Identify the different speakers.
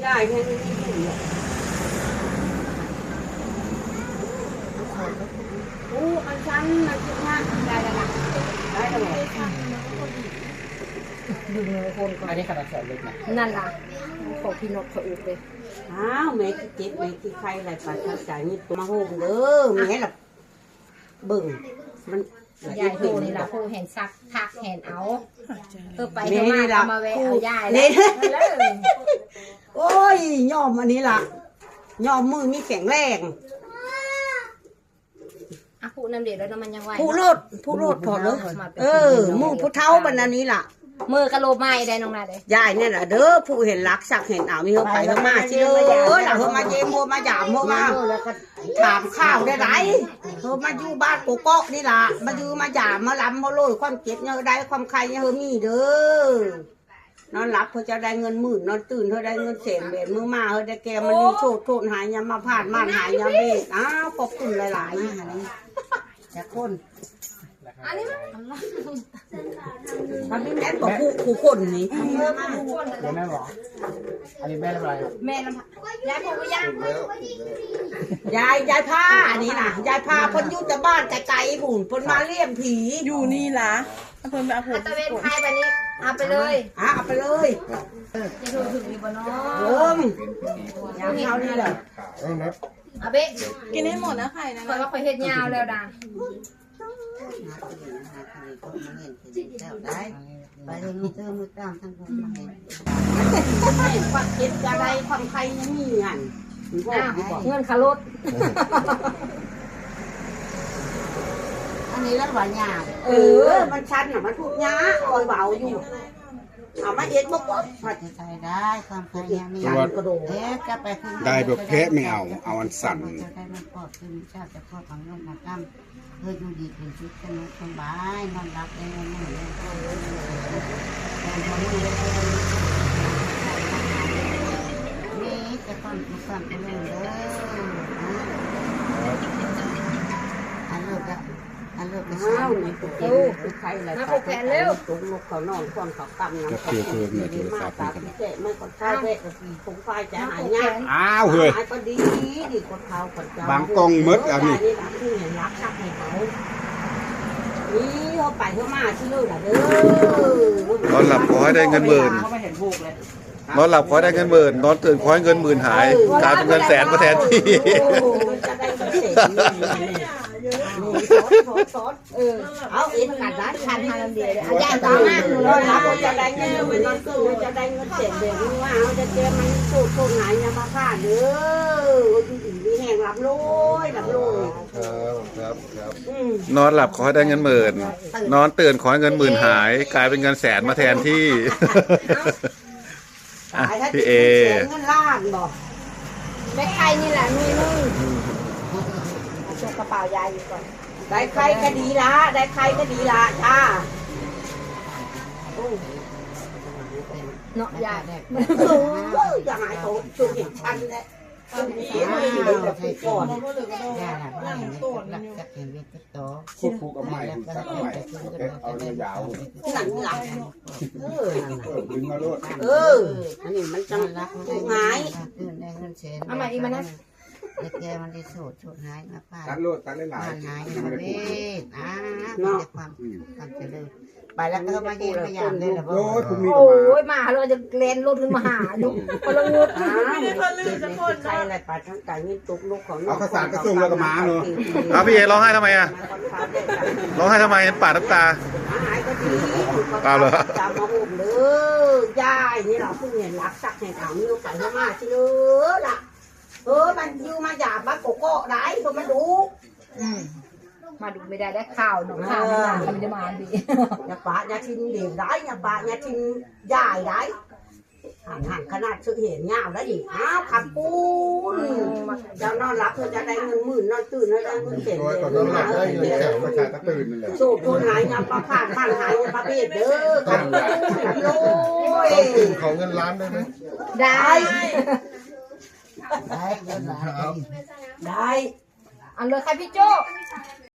Speaker 1: ได้แค่นี้ไม่ถึงหรอกโอ้อันชั้นมันคิดมากได้แล้วนะได้แล้วดึงเลยคนก่อน
Speaker 2: อันนี้ขนาดแสนเล็กนะ
Speaker 1: นั่นล่ะของพี่นกเขาอุบเลยอ้าวแม่ที่เจ็บแม่ที่ใครอะไรปัดทักษะนี่มาโฮมเด้อแม่ล่ะเบิ่งมันยายโหนี่ล่ะผู้แห่งซักทักแห่งเอาไปเถอะมาเอามาแวะเอายายเลยโอ้ยยอมอันนี้ล่ะยอมมือมีแข็งแรงผู้น้ำเดือดแล้วน้ำมันยังไหวผู้โลดพอเลยมือผู้เท้าบรรณานี้ล่ะมือกระโลบไม้ได้น้องนาได้ยายเนี่ยแหละเด้อผู้เห็นรักสักเห็นมีเขาไปเขามาชิเด้อหล่ะเขามาเยี่ยมเขามาหยามเขามาถามข้าวได้ไรเขามาอยู่บ้านโกโก้นี่ล่ะมาอยู่มาหยามมาล้ำมาโรยความเจ็บเนี่ยได้ความใครเนี่ยเขามีเด้อนอนหลับเขาจะได้เงินหมื่นนอนตื่นเขาได้เงินแสนเบ็ดมือมาเขาได้แกมันรีโทษหายยามาผ่านม่านหายยาเบ็ดอ้าวขอบคุณหลายๆจากคนอันนี้มันไม่แม่บอกผู้คนนี่
Speaker 2: เดี๋ยวแม่บอกอันนี้แม่ทำอะไร
Speaker 1: แม่น้ำยายผมก็ย่างยายผ้าอันนี้นะยายผ้าพ้นยุติบ้านไกลๆผุ่นพ้นมาเลี่ยมผี
Speaker 3: อยู่นี่ล่ะเพิ่นไปเอาผม
Speaker 1: ตะเวนไทยแบบนี้เอาไปเลยเอาไปเลยจะถูกถึงมีบ่เนาะยางเขานี่แหละเอาไป
Speaker 3: กินให้หมดนะไข่นะ
Speaker 1: คอยว่าคอยเฮ็ดยาวแล้วดังไปเรื่องเติมมือตามทั้งคนมาเห็นความเจ็บอะไรความใครยังมีเงินเงินขารถอันนี้แล้วหวานยามันชันอ่ะมันพูดยาคอยเบาอยู่เอามาเอ็ดบอกว่าผัดไทยได้ความใครยังมีกระโดด
Speaker 4: ได้แบบแพ้ไม่เอาอันสั่น
Speaker 1: ได้มันปลอดคือมีชาติจะพ่อของลูกมาตั้มเพื่ออยู่ดีเป็นชุดสบายนอนรับได้ไม่เหนื่อยนี่จะต้องมีความเป็นเรื่องเด้ออันเลิกก็อ้าวในตัวเองใครอะไรไปแทนเร็วตุ้งลูกเขานอนควงเขาตั้มน้ำมาตาพิเศษไม่คนใช้เวทคงไฟจะหายง่าย
Speaker 4: อ้าวเฮ้ย
Speaker 1: ก็ดีคนเขาคนเจ้า
Speaker 4: บางกองมืดอันนี้
Speaker 1: รักชักให้เขานี่เขาไปเขามาที่นู่นแหละเด้
Speaker 4: อนอนหลับขอให้ได้เงินหมื่นนอนหลับขอให้ได้เงินหมื่นนอนตื่นขอให้เงินหมื่นหายกลายเป็นเงินแสนมาแทนที่
Speaker 1: เอาเอ็นกันนะคันทางเดียวเลยอาจารย์ต่อมาเราจะได้เงินมันนอนตู้จะได้เงินเสียเดี๋ยวนี้ว่าเราจะเจอมันสูดโทนหายยามาฆ่าเด้อมีแห่งรับโลย
Speaker 4: ครับนอนหลับขอให้ได้เงินหมื่นนอนตื่นขอให้เงินหมื่นหายกลายเป็นเงินแสนมาแทนที่พี่เอ
Speaker 1: เงินล้านบอกแม่ใครนี่แหละมีนึงช่วยกระเป๋ายายอยู่ก่อนได้ใครก็ดีละได้ใครก็ดีละจ้าเนาะยายอย่าหายโตจุดเห็นชันเลยก่อน
Speaker 4: ควบคู่กับใหม่สักใหม่เอายาว
Speaker 1: หนังหลัง
Speaker 4: ดึงมาโลด
Speaker 1: อันนี้มันจังหายเอาใหม่อีกมานะแกมันได้สูดหายมาป้า
Speaker 4: ตัดโลดตัดหลาย
Speaker 1: หายมาเว้ยมีแต่ความเจริญไปแล้วก็มาเยี่ยมพยายามเลยนะพ่อโอ้ยมาเราจะเล่นรถขึ้นมาหาดูพลังงดใครอะไรไปทั้งการยิงตุกลูกของ
Speaker 4: เอาข้าวสารกระซุ่มแล้วก็มาเนาะ
Speaker 2: พี่เอร้องไห้ทำไมอ่ะร้องไห้ทำไมปาดน้ำตา
Speaker 1: หายก็ดี
Speaker 2: เปล่าเหรอ
Speaker 1: จะมาห่มเลยยายนี่เราเพิ่งเห็นรักสักแห่งเอานิ้วไก่เข้ามาชิเด้อล่ะมันอยู่มาหยาบมาโกโก้ได้ก็มาดูมาดูไม่ได้ข่าวหนุ่มข่าวมันจะมาดีอย่าปะอย่าทิ้งเดี่ยวได้อย่าปะอย่าทิ้งใหญ่ได้ห่างขนาดชื่อเห็นเงาแล้วดิขับปูนจะนอนรับเพื่อจะได้เงินหมื่นนอนตื่นแล้วได้เงินเจ็ดเลยโชคคนหายยาปลาผ่านผ่านหายปลาเบ็ดเด้อขับปูนโอ้ย
Speaker 4: ของเงินล้านได้ไหม
Speaker 1: ได้ได้อันเลยใครพี่โจ้